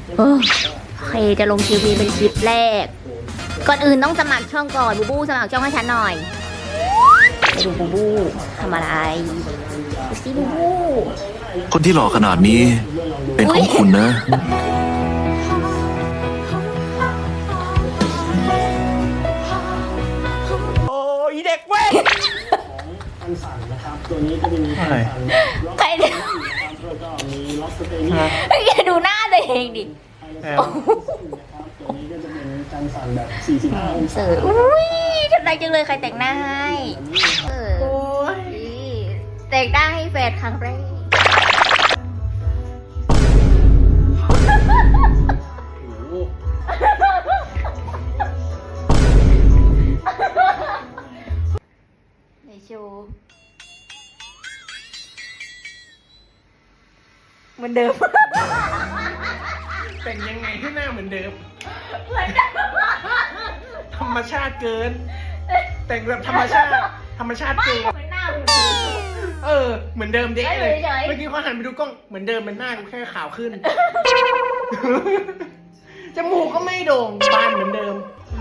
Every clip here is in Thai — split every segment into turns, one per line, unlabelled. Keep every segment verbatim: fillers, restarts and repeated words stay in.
เออโอเคจะลงทีวีเป็นคลิปแรก ก่อนอื่นต้องสมัครช่องก่อนบูบูสมัครช่องให้ฉันหน่อยไปดูบูบูทำอะไรดูสิบูบู
คนที่หล่อขนาดนี้เป็นของคุณนะ
โอ้ยเด็กเว้ย
คันสั่นนะครับตัวนี้ก็จะมีคันสั่น
ใครเนี่ย
แล้วก็มีล็อกสเตนี่
อย่าดูหน้าตัวเองดิ
นะครับตัวนี้ก็จะเป็นการสั่นแบบสี่สิบห้าองศา
เสืออุ้ยทำไรจังเลยใครแต่งหน้าให้เออ
โอ้ย
แต่งหน้าให้แฟนครั้งแรกในโชว์เหมือนเดิม
แต่งยังไงให้หน้าเหมือนเดิม ธรรมชาติเกิน แต่งแบบธรรมชาติ ธรรมชาติเกิน
เหมือนหน้าเหมือนเดิม
เออ เหมือนเดิมเด็กเลย
เฉยๆ
เมื่อกี้พอหันไปดูกล้องเหมือนเดิมเป็นหน้ากูแค่ขาวขึ้น จมูกก็ไม่โด่งบานเหมือนเดิม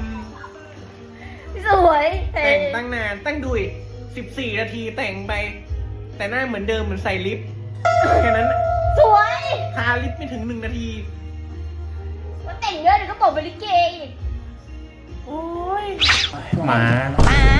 สวย
แต่งตั้งนานตั้งดุยสิบสี่นาทีแต่งไป แต่หน้าเหมือนเดิมเหมือนใส่ลิปแค่นั้น
สวย
ทาลิปไม่ถึงหนึ่งนาที
ว่าแต่งเยอะเดี๋ยวก็บอกเป็นลิเกอีก
โอ้ยหมา
ป๋า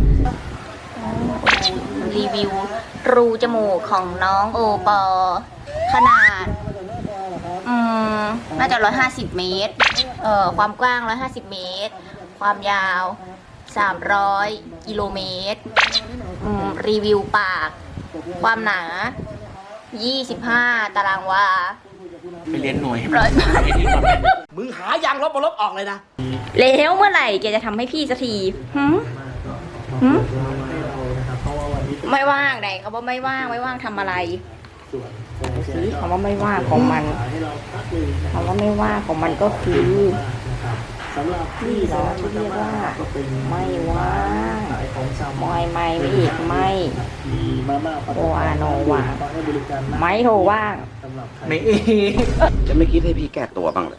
รีวิวรูจมูกของน้องโอปอ ขนาด อืม น่าจะร้อยห้าสิบเมตร เอ่อ ความกว้างร้อยห้าสิบเมตร ความยาวสามร้อยกิโลเมตร อืม รีวิวปาก ความหนายี่สิบห้าตารางวา
ไปเรียนหน่วย
ร้อย
มึงหายางลบมาลบออกเลยนะ
แล้วเมื่อไหร่แกจะทำให้พี่สักทีหืมหืมไม่ว่างไหนเขาบอกไม่ว่างไม่ว่างทำอะไรสิคำว่าไม่ว่างของมันคำว่าไม่ว่างของมันก็คือ
สำหรับ
พี่เหรอที่เรียกว่า
ก็เป็น
ไม่ว่าง
ขายของชำ
ไม่ไม่ไม่อีกไม่
มีมาม่าปลา
โออาโนว่าง
ให้บริการนะ
ไม่โทรว่าง
สำหรับใคร
ไม่เอง
จะไม่คิดให้พี่แก้ตัวบ้างเลย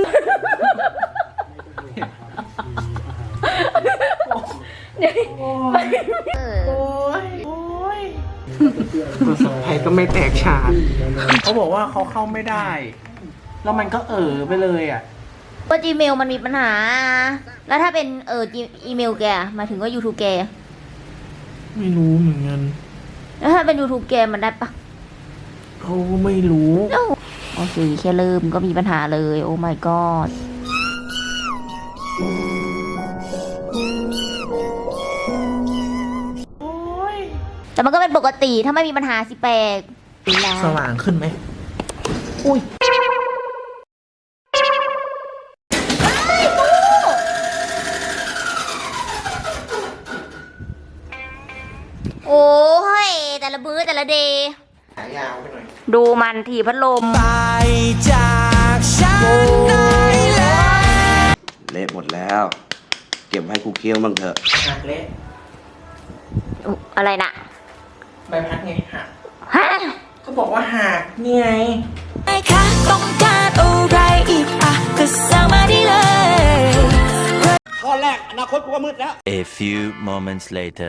เออ
โอ้ย โอ้ยประสบภัยก็ไม่แตกฉานเขาบอกว่าเขาเข้าไม่ได้ แล้วมันก็เออไปเลยอ่ะ
ว่า Gmail มันมีปัญหา แล้วถ้าเป็นเอออีเมลแกหมายถึงว่า YouTube แก
ไม่รู้เหมือนกัน
แล้วถ้าเป็น YouTube แกมันได้ปะ
เขาก็ไม่รู้
โอเคแค่เริ่มก็มีปัญหาเลย โอ้ my god
โอ้ย
แต่มันก็เป็นปกติถ้าไม่มีปัญหาสิแปลก
สว่างขึ้นไหม อุ้ย
โอ้ยแต่ละมื้อแต่ละเดย์ดูมันถีบพัดลม
เละหมดแล้ว เก็บให้กูเคี้ยวบ้างเถอะ
หักเละ
อุ๊ยอะไรนะ
ใบพัดไงหัก
ฮะ
ก็บอกว่าหักนี่ไง
ค่ะต้องการอะไรอีกอ่ะก็สั่งมาได้เลย
ข้อแรก อนาคตกูก็มืดแล้ว
A few moments later.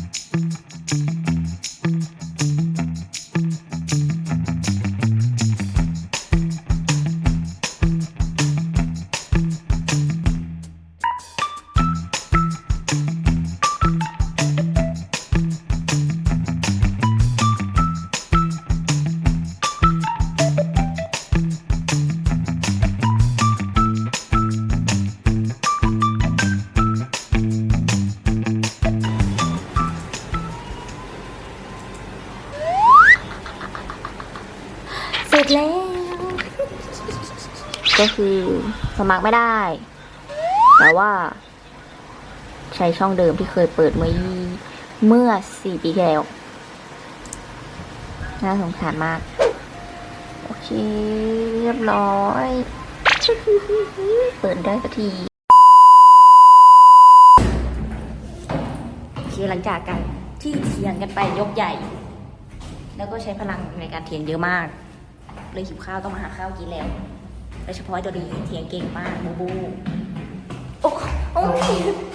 เสร็จแล้ว ก็คือสมัครไม่ได้ แต่ว่า ใช้ช่องเดิมที่เคยเปิดเมื่อยี่เมื่อสี่ปีที่แล้ว น่าสงสารมาก โอเค เรียบร้อย เปิดได้สักที โอเค หลังจากกันที่เถียงกันไปยกใหญ่ แล้วก็ใช้พลังในการเถียงเยอะมาก เลยหิวข้าวต้องมาหาข้าวกินแล้วโดยเฉพาะไอ้ตัวนี้เถียงเก่งมากบูบูโอ้โอ้ย